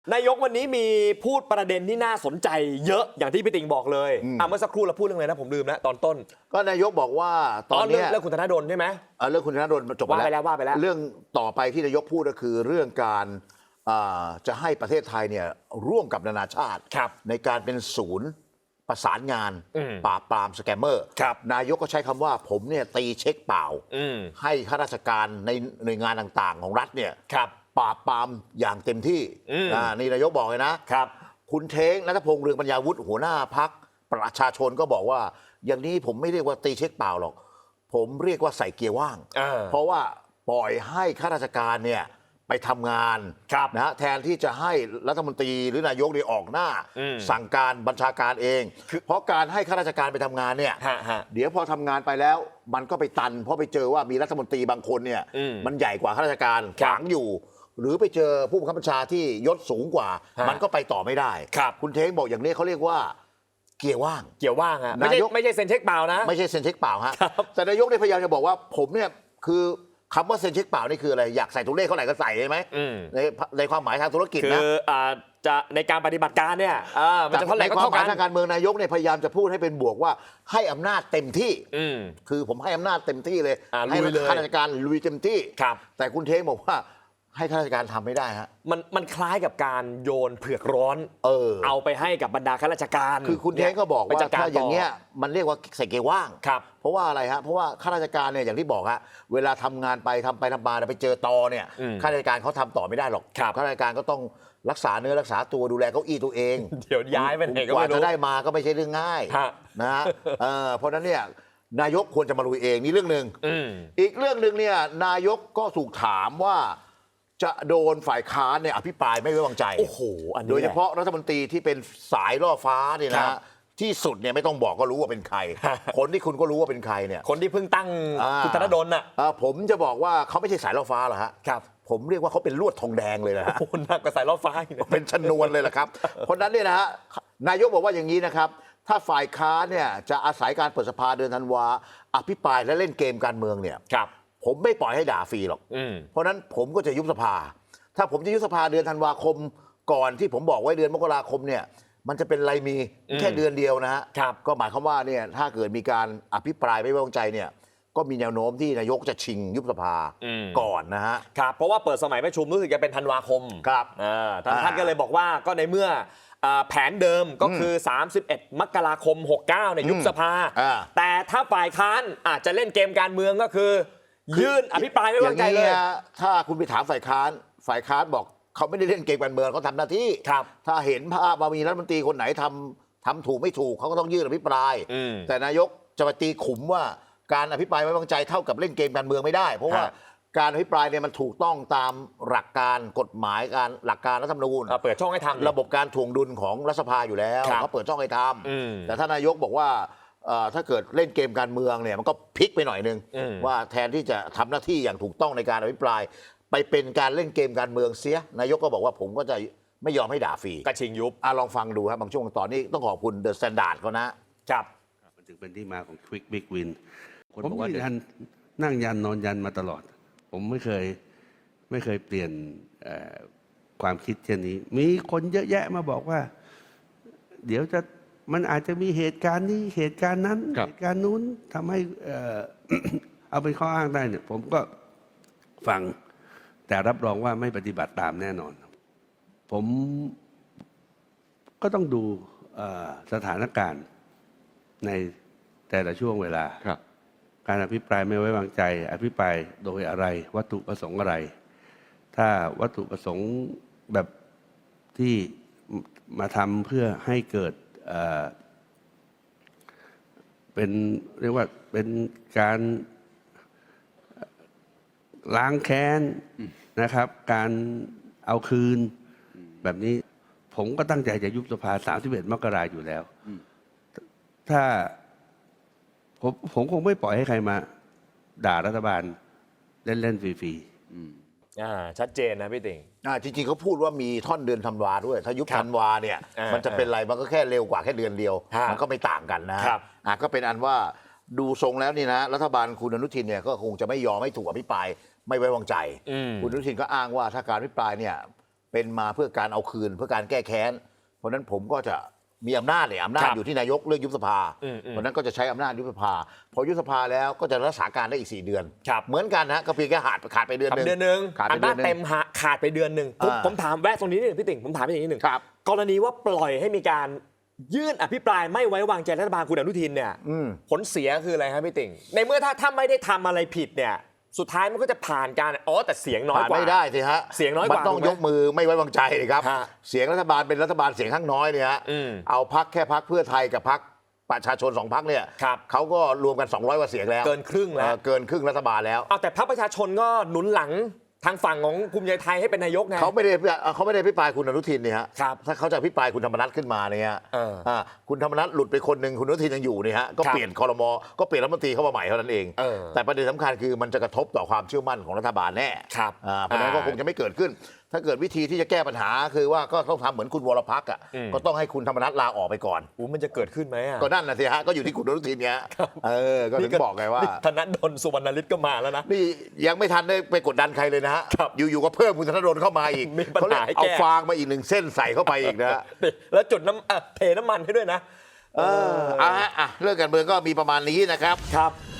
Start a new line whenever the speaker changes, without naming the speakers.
นายกวันนี้มีพูดประเด็นที่น่าสนใจเยอะอย่างที่พี่ติ่งบอกเลยเมื่อสักครู่เราพูดเรื่องอะไรนะผมลืมนะตอนต้น
ก็นายกบอกว่าตอนนี้
เรื่องคุณธนดลใช่ไหม
เรื่องคุณธนดลจบไปแล้วเรื่องต่อไปที่นายกพูดก็คือเรื่องการจะให้ประเทศไทยเนี่ยร่วมกับนานาชาติในการเป็นศูนย์ประสานงานปราบปรามสแกมเมอร์นายกก็ใช้คำว่าผมเนี่ยตีเช็คเปล่าให้ข้าราชการในหน่วยงานต่างๆของรัฐเนี่ยปราบปรามอย่างเต็มที่นี่นายกบอกเลยนะคุณเท้งรัฐพงษ์เรืองปัญญาวุฒิหัวหน้าพรรคประชาชนก็บอกว่าอย่างนี้ผมไม่เรียกว่าตีเช็คเปล่าหรอกผมเรียกว่าใส่เกียร์ว่างเพราะว่าปล่อยให้ข้าราชการเนี่ยไปทำงานนะแทนที่จะให้รัฐมนตรีหรือนายกได้ออกหน้าสั่งการบัญชาการเองเพราะการให้ข้าราชการไปทำงานเนี่ยเดี๋ยวพอทำงานไปแล้วมันก็ไปตันเพราะไปเจอว่ามีรัฐมนตรีบางคนเนี่ยมันใหญ่กว่าข้าราชการขวางอยู่หรือไปเจอผู้บังคับบัญชาที่ยศสูงกว่ามันก็ไปต่อไม่ได้คุณเท้งบอกอย่างนี้เขาเรียกว่าเกียร์ว่าง
ฮะไม่ใช่เซ็นเช็คเปล่านะ
ไม่ใช่เซ็นเช็คเปล่าฮะแต่นายกได้พยายามจะบอกว่าผมเนี่ยคือคำว่าเซ็นเช็คเปล่านี่คืออะไรอยากใส่ตัวเลขเท่าไหร่ก็ใส่ใช่ไหมในความหมายทางธุรกิจนะ
คือจะในการปฏิบัติการเนี่ยมันจะเท่าไหร่ก็เท่ากัน
ในความหมายทางการเมืองนายกเนี่ยพยายามจะพูดให้เป็นบวกว่าให้อำนาจเต็มที่คือผมให้อำนาจเต็มที่เลยให้ข้าราชการลุยเต็มที่แต่คุณเท้งบอกว่าให้ข้าราชการทำไม่ได้ฮะ
มันคล้ายกับการโยนเผือกร้อนเอาไปให้กับบรรดาข้าราชการ
คือคุณเท้งก็บอกว่าถ้าอย่างเงี้ยมันเรียกว่าใส่เกียร์ว่างเพราะว่าอะไรฮะเพราะว่าข้าราชการเนี่ยอย่างที่บอกฮะเวลาทำงานไปทำมาไปเจอตอเนี่ยข้าราชการเขาทำต่อไม่ได้หรอกข้าราชการก็ต้องรักษาเนื้อรักษาตัวดูแลเก้าอี้ตัวเอง
เดี๋ยวย้ายไปไหนก็
ไม่รู้กว่า
จะ
ได้มาก็ไม่ใช่เรื่องง่ายนะฮะเพราะนั้นเนี่ยนายกควรจะมาลุยเองนี่เรื่องหนึ่งอีกเรื่องหนึ่งเนี่ยนายกก็ถูกถามว่าจะโดนฝ่ายค้านเนี่ยอภิปรายไม่ไว้วางใจ
โอ้โห
โดยเฉพาะรัฐมนตรีที่เป็นสายล่อฟ้าเนี่ยนะที่สุดเนี่ยไม่ต้องบอกก็รู้ว่าเป็นใครคนที่คุณก็รู้ว่าเป็นใครเนี่ย
คนที่เพิ่งตั้งคุณธนดลน่ะ
ผมจะบอกว่าเขาไม่ใช่สายล่อฟ้าหรอกฮะผมเรียกว่าเขาเป็นลวดทองแดงเลยนะฮะ
หนักกว่าสายล่อฟ้า
เป็นชนวนเลยแหละครับเพราะนั้นเนี่ยนะฮะนายกบอกว่าอย่างนี้นะครับถ้าฝ่ายค้านเนี่ยจะอาศัยการเปิดสภาเดือนธันวาอภิปรายและเล่นเกมการเมืองเนี่ยผมไม่ปล่อยให้ด่าฟรีหรอกเพราะนั้นผมก็จะยุบสภาถ้าผมจะยุบสภาเดือนธันวาคมก่อนที่ผมบอกไว้เดือนมกราคมเนี่ยมันจะเป็นไรมีแค่เดือนเดียวนะฮะก็หมายความว่าเนี่ยถ้าเกิดมีการอภิปรายไม่ไว้วางใจเนี่ยก็มีแนวโน้มที่นายกจะชิงยุบสภาก่อนนะฮะ
ครับเพราะว่าเปิดสมัยประชุมรู้สึกจะเป็นธันวาคม
ครับ
ท่านก็เลยบอกว่าก็ในเมื่อแผนเดิมก็คือ31มกราคม69เนี่ยยุบสภาแต่ถ้าฝ่ายค้านอาจจะเล่นเกมการเมืองก็คือยื่นอภิปรายไม่ไว้วางใจเลย
ถ้าคุณไปถามฝ่ายค้านบอกเขาไม่ได้เล่นเกมการเมืองเขาทำหน้าที่ถ้าเห็นภาพว่ามีรัฐมนตรีคนไหนทำถูกไม่ถูกเขาก็ต้องยื่นอภิปรายแต่นายกจะมาตีขุมว่าการอภิปรายไม่ไว้วางใจเท่ากับเล่นเกมการเมืองไม่ได้เพราะว่าการอภิปรายเนี่ยมันถูกต้องตามหลักการกฎหมายหลักการรัฐธรรมนูญ
เปิดช่องให้ทำ
ระบบการถ่วงดุลของรัฐสภาอยู่แล้วเขาเปิดช่องให้ทำแต่ถ้านายกบอกว่าถ้าเกิดเล่นเกมการเมืองเนี่ยมันก็พลิกไปหน่อยนึงว่าแทนที่จะทำหน้าที่อย่างถูกต้องในการอภิปรายไปเป็นการเล่นเกมการเมืองเสียนายกก็บอกว่าผมก็จะไม่ยอมให้ด่าฟรี
กระชิงยุบ
ลองฟังดูครับบางช่วงตอนนี้ต้องขอบคุณเดอะสแตนดาร์ดเขานะครับ
มันถึงเป็นที่มาของ Quick Big Win ผมยืนยันนั่งยันนอนยันมาตลอดผมไม่เคยเปลี่ยนความคิดเช่นนี้มีคนเยอะแยะมาบอกว่าเดี๋ยวมันอาจจะมีเหตุการณ์นี้เหตุการณ์นั้นเหตุการณ์นู้นทำให้เอาเป็นข้ออ้างได้เนี่ยผมก็ฟังแต่รับรองว่าไม่ปฏิบัติตามแน่นอนผมก็ต้องดูสถานการณ์ในแต่ละช่วงเวลาการอภิปรายไม่ไว้วางใจอภิปรายโดยอะไรวัตถุประสงค์อะไรถ้าวัตถุประสงค์แบบที่มาทำเพื่อให้เกิดเป็นเรียกว่าเป็นการล้างแค้นนะครับการเอาคืนแบบนี้ผมก็ตั้งใจจะยุบสภา31มกราคมอยู่แล้วถ้าผมคงไม่ปล่อยให้ใครมาด่ารัฐบาลเล่นฟรี
ๆชัดเจนนะพี่ติ่ง
จริงๆเขาพูดว่ามีท่อนเดือนธันวาด้วยถ้ายุบธันวาเนี่ยมันจะเป็นไรมันก็แค่เร็วกว่าแค่เดือนเดียวมันก็ไม่ต่างกันนะก็เป็นอันว่าดูทรงแล้วนี่นะรัฐบาลคุณอนุทินเนี่ยก็คงจะไม่ยอมให้ถูกอภิปรายไม่ไว้วางใจคุณอนุทินก็อ้างว่าถ้าการอภิปรายเนี่ยเป็นมาเพื่อการเอาคืนเพื่อการแก้แค้นเพราะฉะนั้นผมก็จะมีอำนาจเนี่ยอำนาจอยู่ที่นายกเลือกยุบสภาเพราะฉะนั้นก็จะใช้อำนาจยุบสภาพอยุบสภาแล้วก็จะรักษาการได้อีก4 เดือนเหมือนกันนะก็เพียงแค่ขาดไปเดือนนึง
ขาดไปเดือนนึงเต็มขาดไปเดือนนึงผมถามแวะตรงนี้นิดนึงพี่ติ่งผมถามอย่างนี้หนึ่งกรณีว่าปล่อยให้มีการยื่นอภิปรายไม่ไว้วางใจรัฐบาลคุณอนุทินเนี่ยผลเสียคืออะไรครับพี่ติ่งในเมื่อถ้าไม่ได้ทำอะไรผิดเนี่ยสุดท้ายมันก็จะผ่านการแต่เสียงน้อยกว่า
ไม่ได้สิฮะ
เสียงน้อยกว่า
มันต้องยกมือไม่ไว้วางใจเลยครับเสียงรัฐบาลเป็นรัฐบาลเสียงข้างน้อยเนี่ยฮะเอาพรรคแค่พรรคเพื่อไทยกับพรรคประชาชน2 พรรคเนี่ยเขาก็รวมกัน200 กว่าเสียงแล้ว
เกินครึ่งแล้ว
เกินครึ่งรัฐบาลแล้ว
แต่พรรคประชาชนก็หนุนหลังทางฝั่งของภูมิใจไทยให้เป็นนายกไง
เขาไม่ได้อภิปรายคุณอนุทินเนี่ยฮะถ้าเขาจะอภิปรายคุณธรรมนัสขึ้นมาเนี่ยคุณธรรมนัสหลุดไปคนหนึ่งคุณอนุทินยังอยู่เนี่ยฮะก็เปลี่ยนครม.ก็เปลี่ยนรัฐมนตรีเข้ามาใหม่เท่านั้นเองแต่ประเด็นสำคัญคือมันจะกระทบต่อความเชื่อมั่นของรัฐบาลแน่เพราะฉะนั้นก็คงจะไม่เกิดขึ้นถ้าเกิดวิธีที่จะแก้ปัญหาคือว่าก็ต้องทำเหมือนคุณวรพักษ์ก็ต้องให้คุณธรรมนัสลาออกไปก่อน
มันจะเกิดขึ้นไหม
ก็นั่นนะสิฮะก็อยู่ที่คุณอนุทินเนี่ยก็ถึงบอกไงว่า
ธนดลสุวรรณฤทธิ์ก็มาแล้วนะ
นี่ยังไม่ทันได้ไปกดดันใครเลยนะฮะอยู่ๆก็เพิ่มคุณธนดลเข้ามาอีก
เขาเลย
เอาฟางมาอีก1 เส้นใส่เข้าไปอีกนะ
แล้วจุดเทน้ำมันให้ด้วยนะ
เรื่องการเมืองก็มีประมาณนี้นะครับ